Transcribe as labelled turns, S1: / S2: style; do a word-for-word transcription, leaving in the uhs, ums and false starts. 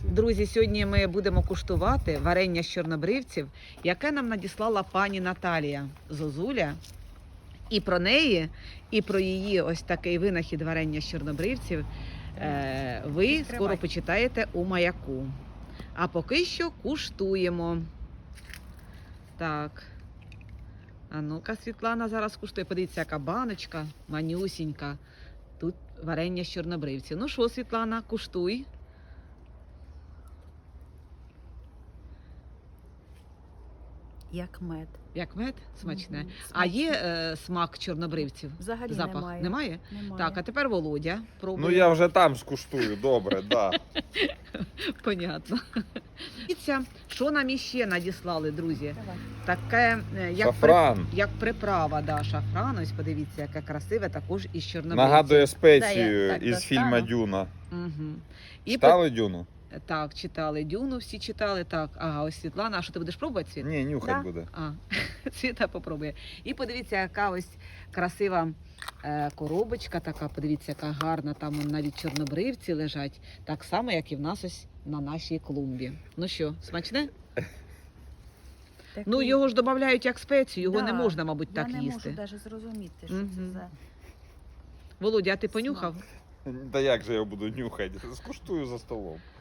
S1: Друзі, сьогодні ми будемо куштувати варення з чорнобривців, яке нам надіслала пані Наталія Зозуля. І про неї, і про її ось такий винахід варення з чорнобривців е, ви скоро почитаєте у Маяку. А поки що куштуємо. Так. А ну-ка, Світлана зараз куштує. Подивіться, яка баночка, манюсінька. Тут варення з чорнобривців. Ну що, Світлана, куштуй.
S2: Як мед.
S1: Як мед? Смачне.
S2: Мгм,
S1: А є
S2: смачне.
S1: е, смак чорнобривців?
S2: Взагалі
S1: Запах?
S2: немає.
S1: Немає?
S2: Немає.
S1: Так, а тепер Володя. Пробує.
S3: Ну я вже там скуштую, добре, да.
S1: Понятно. Дивіться, що нам іще надіслали, друзі.
S2: Давай.
S1: Таке, е, як,
S3: Шафран.
S1: При, як приправа, да, шафран. Ось подивіться, яке красиве, також із чорнобривців.
S3: Нагадує
S2: Да,
S3: спецію
S2: я так
S3: із
S2: достану.
S3: фільму Дюна.
S1: Угу. І
S3: Читали Дюну?
S1: по... Так, читали Дюну, всі читали. Так, ага, ось Світлана. А що ти будеш пробувати, Світ?
S3: Ні, нюхать
S2: Да.
S3: буде.
S1: А, Світа попробує. І подивіться, яка ось красива е, коробочка така. Подивіться, яка гарна. Там он навіть чорнобривці лежать. Так само, як і в нас ось на нашій клумбі. Ну що, смачне?
S2: Такий-
S1: Ну, його ж додають як спецію, його
S2: Да,
S1: не можна, мабуть,
S2: я
S1: так
S2: не
S1: їсти.
S2: можу навіть зрозуміти, що
S1: Мгм.
S2: це за...
S1: Володя, а ти понюхав?
S3: Та як же я буду нюхати? Скуштую за столом.